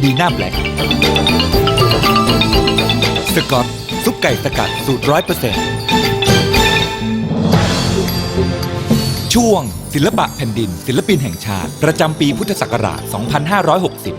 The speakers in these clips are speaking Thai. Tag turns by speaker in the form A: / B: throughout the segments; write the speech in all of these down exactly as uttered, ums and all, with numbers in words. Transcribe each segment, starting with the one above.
A: บีน่าแบล็กสกอตซุปไก่สกัดสูตรร้อยเปอร์เซ็นต์ช่วงศิลปะแผ่นดินศิลปินแห่งชาติประจำปีพุทธศักราช สองพันห้าร้อยหกสิบ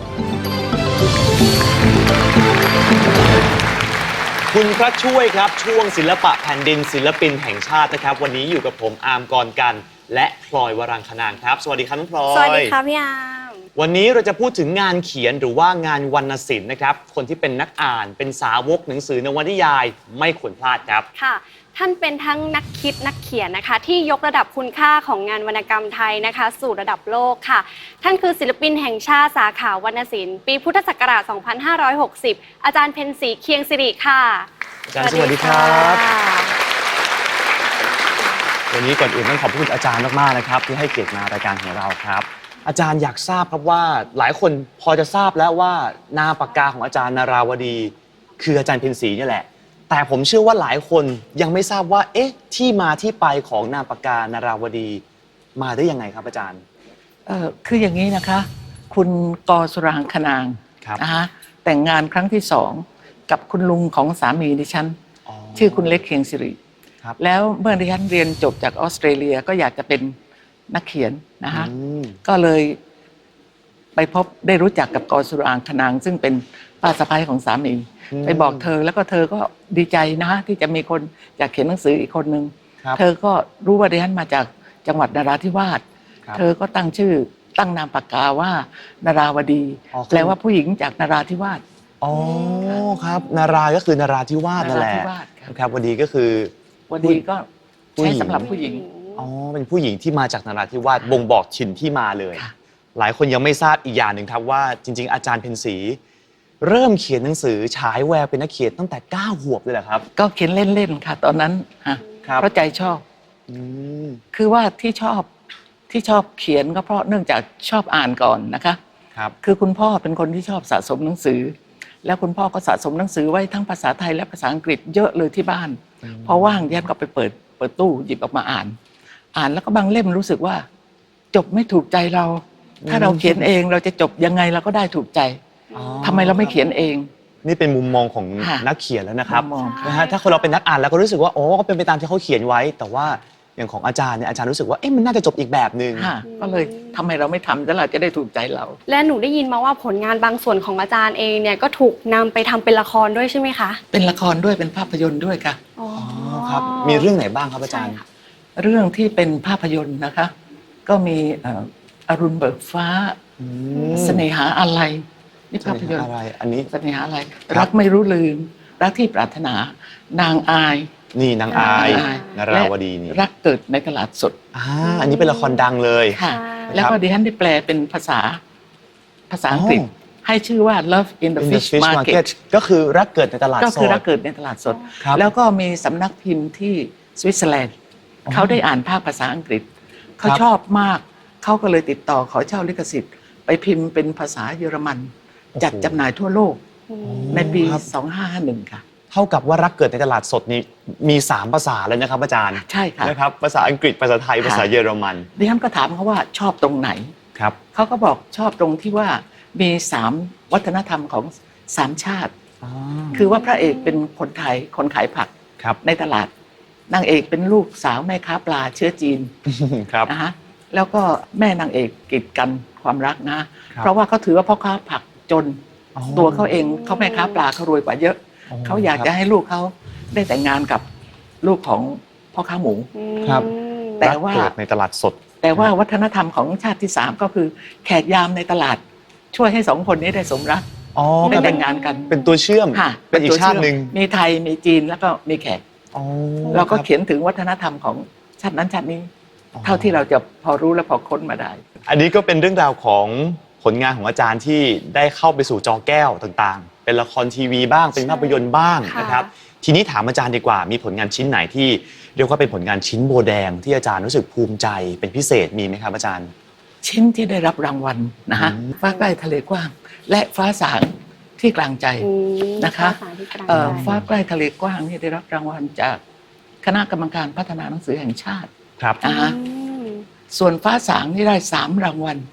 B: คุณพระช่วยครับช่วงศิลปะแผ่นดินศิลปินแห่งชาตินะครับวันนี้อยู่กับผมอาร์มกรกันและพลอยวรังคนางครับสวัสดีครับน้องพลอย
C: สวัสดีค่ะพี่อาร์ม
B: วันนี้เราจะพูดถึงงานเขียนหรือว่างานวรรณศิลป์นะครับคนที่เป็นนักอ่านเป็นสาวกหนังสือนวนิยายไม่ควรพลาดครับ
C: ค่ะท่านเป็นทั้งนักคิดนักเขียนนะคะที่ยกระดับคุณค่าของงานวรรณกรรมไทยนะคะสู่ระดับโลกค่ะท่านคือศิลปินแห่งชาติสาขาวรรณศิลป์ปีพุทธศักราช สองพันห้าร้อยหกสิบ อาจารย์เพ็ญศรีเคียงสิริค่ะ
B: อาจารย์สวัสดีครับวันนี้ก่อนอื่นต้องขอบคุณอาจารย์มากๆนะครับที่ให้เกียรติมารายการของเราครับอาจารย์อยากทราบครับว่าหลายคนพอจะทราบแล้วว่านามปากกาของอาจารย์นาราวดีคืออาจารย์เพ็ญศรีนี่แหละแต่ผมเชื่อว่าหลายคนยังไม่ทราบว่าเอ๊ะที่มาที่ไปของนามปากกานาราวดีมาได้ยังไงครับอาจารย์
D: เออคืออย่างนี้นะคะคุณกสุรางคนางนะคะแต่งงานครั้งที่สองกับคุณลุงของสามีดิฉันชื่อคุณเล็กเคียงสิริแล้วเมื่อดิฉันเรียนจบจากออสเตรเลียก็อยากจะเป็นนักเขียนนะคะก็เลยไปพบได้รู้จักกับกสุรางคนางซึ่งเป็นป้าสะใภ้ของสามีไปบอกเธอแล้วก็เธอก็ดีใจนะที่จะมีคนอยากเขียนหนังสืออีกคนนึงเธอก็รู้ว่าดิฉันมาจากจังหวัดนราธิวาสเธอก็ตั้งชื่อตั้งนามปากกาว่านาราวดีแปลว่าผู้หญิงจากนราธิวาส
B: อ๋อครับนาราก็คือนราธิวาสนั่นแหละครับวดีก็คือ
D: วดีก็ใช้สำหรับผู้หญิง
B: อ๋อเป็นผู้หญิงที่มาจากนราธิวาสบ่งบอกถิ่นที่มาเลยหลายคนยังไม่ทราบอีกอย่างหนึ่งครับว่าจริงๆอาจารย์เพ็ญศรีเริ่มเขียนหนังสือฉายแววเป็นนักเขียนตั้งแต่เก้าขวบเลยเหรอครับ
D: ก็เขียนเล่นๆค่ะตอนนั้นฮะเพราะใจชอบคือว่าที่ชอบที่ชอบเขียนก็เพราะเนื่องจากชอบอ่านก่อนนะคะ
B: ครับ
D: คือคุณพ่อเป็นคนที่ชอบสะสมหนังสือแล้วคุณพ่อก็สะสมหนังสือไว้ทั้งภาษาไทยและภาษาอังกฤษเยอะเลยที่บ้านพอว่างยันก็ไปเปิดเปิดตู้หยิบออกมาอ่านอ่านแล้วก็บางเล่มรู้สึกว่าจบไม่ถูกใจเราถ้าเราเขียนเองเราจะจบยังไงเราก็ได้ถูกใจทำไมเราไม่เขียนเอง
B: นี่เป็นมุมมองของนักเขียนแล้วนะครับนะฮะถ้าคนเราเป็นนักอ่านแล้วก็รู้สึกว่าโอ้ก็เป็นไปตามที่เขาเขียนไว้แต่ว่าอย่างของอาจารย์เนี่ยอาจารย์รู้สึกว่าเอ๊ะมันน่าจะจบอีกแบบนึง
D: ก็เลยทำไมเราไม่ทำแล้วเราจะได้ถูกใจเรา
C: และหนูได้ยินมาว่าผลงานบางส่วนของอาจารย์เองเนี่ยก็ถูกนำไปทำเป็นละครด้วยใช่ไหมคะ
D: เป็นละครด้วยเป็นภาพยนตร์ด้วยค่ะ
B: อ๋อครับมีเรื่องไหนบ้างครับอาจารย์
D: เรื่องที่เป็นภาพยนตร์นะคะก็มีอรุณเบิกฟ้าเสน่หาอะไรนี่ภาพยนตร์
B: อะไรอันนี้
D: เสน่หาอะไรรักไม่รู้ลืมรักที่ปรารถนานางอาย
B: นี่นางอายนาราวดีนี่
D: รักเกิดในตลาดสด
B: อ่าอันนี้เป็นละครดังเลย
D: ค่ะแล้วก็ดิฉันได้แปลเป็นภาษาภาษาอังกฤษให้ชื่อว่า Love in the Fish Market
B: ก็คือรักเกิดในตลาดสด
D: ก็คือรักเกิดในตลาดสดแล้วก็มีสำนักพิมพ์ที่สวิตเซอร์แลนด์เขาได้อ่านภาคภาษาอังกฤษเขาชอบมากเขาก็เลยติดต่อขอเช่าลิขสิทธิ์ไปพิมพ์เป็นภาษาเยอรมันจัดจำหน่ายทั่วโลกในปีสองพันห้าร้อยห้าสิบเอ็ดค่ะ
B: เท่ากับว่ารักเกิดในตลาดสดนี้มีสามภาษาเลยนะครับอาจารย์
D: ใช่ค่ะ
B: นะครับภาษาอังกฤษภาษาไทยภาษาเยอรมัน
D: ดิฉันก็ถามเขาว่าชอบตรงไหน
B: ครับ
D: เขาก็บอกชอบตรงที่ว่ามีสามวัฒนธรรมของสามชาติคือว่าพระเอกเป็นคนไทยคนขายผักในตลาดนางเอกเป็นลูกสาวแม่ค้าปลาเชื้อจีนนะฮะแล้วก็แม่นางเอกกีดกันความรักนะเพราะว่าเขาถือว่าพ่อค้าผักจนตัวเขาเองเขาแม่ค้าปลาเขารวยกว่าเยอะเขาอยากจะให้ลูกเขาได้แต่งงานกับลูกของพ่อค้าหมู
B: ครับ
D: แต่ว่า
B: ในตลาดสด
D: แต่ว่าวัฒนธรรมของชาติที่สามก็คือแขกยามในตลาดช่วยให้สองคนนี้ได้สมรักได้แต่งงานกัน
B: เป็นตัวเชื่อมเป็นอีกชาติหนึ่ง
D: มีไทยมีจีนแล้วก็มีแขกเราก็เขียนถึงวัฒนธรรมของชาตินั้นชาตินี้เท่าที่เราจะพอรู้และพอค้นมาได้
B: อันนี้ก็เป็นเรื่องราวของผลงานของอาจารย์ที่ได้เข้าไปสู่จอแก้วต่างๆเป็นละครทีวีบ้างเป็นภาพยนตร์บ้างนะครับทีนี้ถามอาจารย์ดีกว่ามีผลงานชิ้นไหนที่เรียกว่าเป็นผลงานชิ้นโบแดงที่อาจารย์รู้สึกภูมิใจเป็นพิเศษมีไหมครับอาจารย์
D: ชิ้นที่ได้รับรางวัลนะฮะฟ้าใกล้ทะเลกว้างและฟ้าสางที่กลางใจนะคะฟ้าใกล้ทะเลกว้างนี่ได้รับรางวัลจากคณะกรรมการพัฒนาหนังสือแห่งชาติ
B: ครับ
D: นะฮะส่วนฟ้าสางนี่ได้สามรางวัล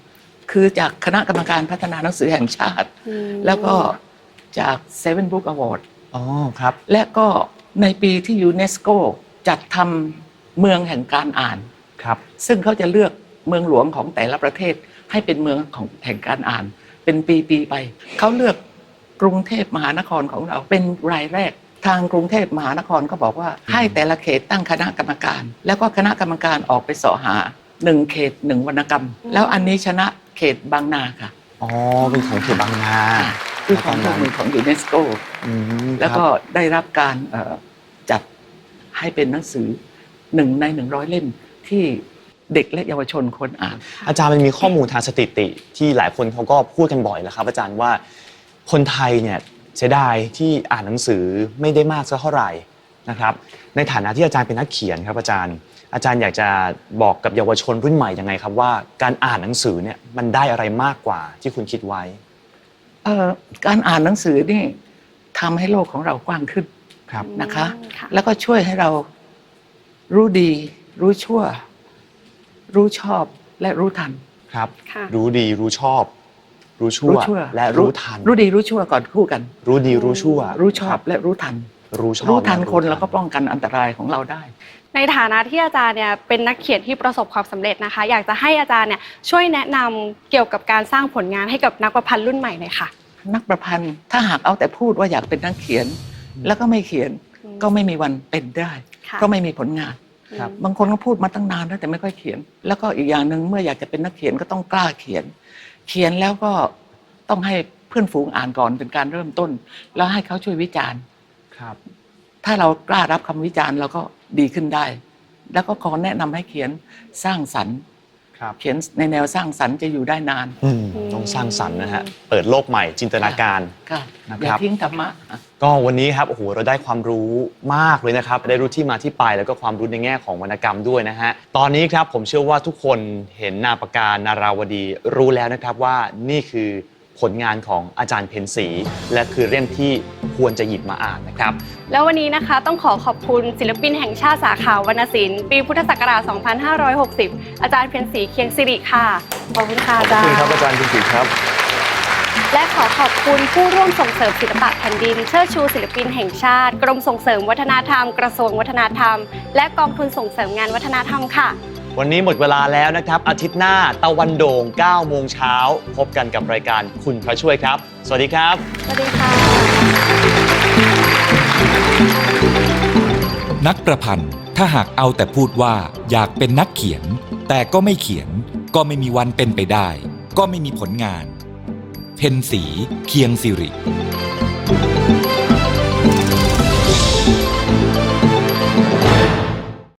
D: คือจากคณะกรรมการพัฒนาหนังสือแห่งชาติ
C: อืม
D: แล้วก็จาก Seven Book Award
B: อ๋อครับ
D: และก็ในปีที่ยูเนสโกจัดทำเมืองแห่งการอ่าน
B: ครับ
D: ซึ่งเขาจะเลือกเมืองหลวงของแต่ละประเทศให้เป็นเมืองของแห่งการอ่าน เป็นปีๆไป เขาเลือกกรุงเทพมหานครของเราเป็นรายแรก ทางกรุงเทพมหานครก็บอกว่าให้แต่ละเขตตั้งคณะกรรมการ แล้วก็คณะกรรมการออกไปเสาะหาหนึ่งเขตหนึ่งวรรณกรรม แล้วอันนี้ชนะเขตบางนาค่ะ
B: อ๋อเป็นของเขตบางนา
D: คือของร่วมมือของยูเนสโก
B: อืม
D: แล้วก็
B: ครับ
D: ได้รับการเอ่อจัดให้เป็นหนังสือหนึ่งในหนึ่งร้อยเล่มที่เด็กและเยาวชนควรอ่าน
B: อาจารย์มันมีข้อมูลทางสถิติที่หลายคนเขาก็พูดกันบ่อยแล้วครับ อาจารย์ว่าคนไทยเนี่ยเสียดายที่อ่านหนังสือไม่ได้มากสักเท่าไหร่นะครับ ในฐานะที่อาจารย์เป็นนักเขียนครับอาจารย์ อาจารย์อยากจะบอกกับเยาวชนรุ่นใหม่ยังไงครับว่าการอ่านหนังสือเนี่ยมันได้อะไรมากกว่าที่คุณคิดไว้
D: เอ่อการอ่านหนังสือนี่ทำให้โลกของเรากว้างขึ้น
B: ครับ
D: นะคะ
C: อืมค่ะ
D: แล้วก็ช่วยให้เรารู้ดี รู้ชั่ว รู้ชอบและรู้ทัน
B: ครับ
C: ค่ะ
B: รู้ดีรู้ชอบ รู้ชั่ว
D: รู้ชั่ว
B: และรู้ทัน
D: รู้ดีรู้ชั่วก่อนคู่กัน
B: รู้ดีรู้ชั่ว
D: รู้ชอบ
B: ค
D: และรู้ทัน
B: บรู้ชอบ
D: รู้ทัน
B: และ
D: คนแล้วก็ป้องกันอันตรายของเราได้
C: ในฐานะที่อาจารย์เนี่ยเป็นนักเขียนที่ประสบความสำเร็จนะคะ อยากจะให้อาจารย์เนี่ยช่วยแนะนำเกี่ยวกับการสร้างผลงานให้กับนักประพันธ์รุ่นใหม่หน่อยค่ะ
D: นักประพันธ์ถ้าหากเอาแต่พูดว่าอยากเป็นนักเขียน แล้วก็ไม่เขียน
C: อืม
D: ก็ไม่มีวันเป็นได้
C: ค่ะ
D: ก็ไม่มีผลงาน
B: ครับ
D: บางคนก็พูดมาตั้งนานแล้วแต่ไม่ค่อยเขียน แล้วก็อีกอย่างหนึ่งเมื่ออยากจะเป็นนักเขียนก็ต้องกล้าเขียน เขียนแล้วก็ต้องให้เพื่อนฝูงอ่านก่อนเป็นการเริ่มต้น แล้วให้เขาช่วยวิจารณ์
B: ครับ
D: ถ้าเรากล้ารับคำวิจารณ์เราก็ดีขึ้นได้ แล้วก็ขอแนะนำให้เขียนสร้างสรรค์
B: ครับ
D: เขียนในแนวสร้างสรรค์จะอยู่ได้นาน
B: อืมต้องสร้างสรรค์นะฮะเปิดโลกใหม่จินตนาการ
D: ค่ะ
B: นะครับ
D: อย่าทิ้งธรรมะ
B: ก็วันนี้ครับโอ้โหเราได้ความรู้มากเลยนะครับ ได้รู้ที่มาที่ไปแล้วก็ความรู้ในแง่ของวรรณกรรมด้วยนะฮะตอนนี้ครับผมเชื่อว่าทุกคนเห็นนามปากกานาราวดีรู้แล้วนะครับว่านี่คือผลงานของอาจารย์เพ็ญศรีและคือเล่มที่ควรจะหยิบมาอ่านนะครับ
C: แล้ววันนี้นะคะต้องขอขอบคุณศิลปินแห่งชาติสาขาวรรณศิลป์ปีพุทธศักราช สองพันห้าร้อยหกสิบ อาจารย์เพ็ญศรีเคียงสิริค่ะ ขอบคุณค่ะอาจารย์
B: ขอบคุณครับอาจารย์เพ็ญศรีครับ
C: และขอขอบคุณผู้ร่วมส่งเสริมศิลปะแผ่นดินเชิดชูศิลปินแห่งชาติ กรมส่งเสริมวัฒนธรรม กระทรวงวัฒนธรรม และกองทุนส่งเสริมงานวัฒนธรรมค่ะ
B: วันนี้หมดเวลาแล้วนะครับ อาทิตย์หน้าตะวันโด่งเก้าโมงเช้าพบกันกับรายการคุณพระช่วยครับ สวัสดีครับ
C: สวัสดีค่ะ
A: นักประพันธ์ถ้าหากเอาแต่พูดว่าอยากเป็นนักเขียน แต่ก็ไม่เขียน ก็ไม่มีวันเป็นไปได้ ก็ไม่มีผลงาน เพ็ญศรีเคียงสิริ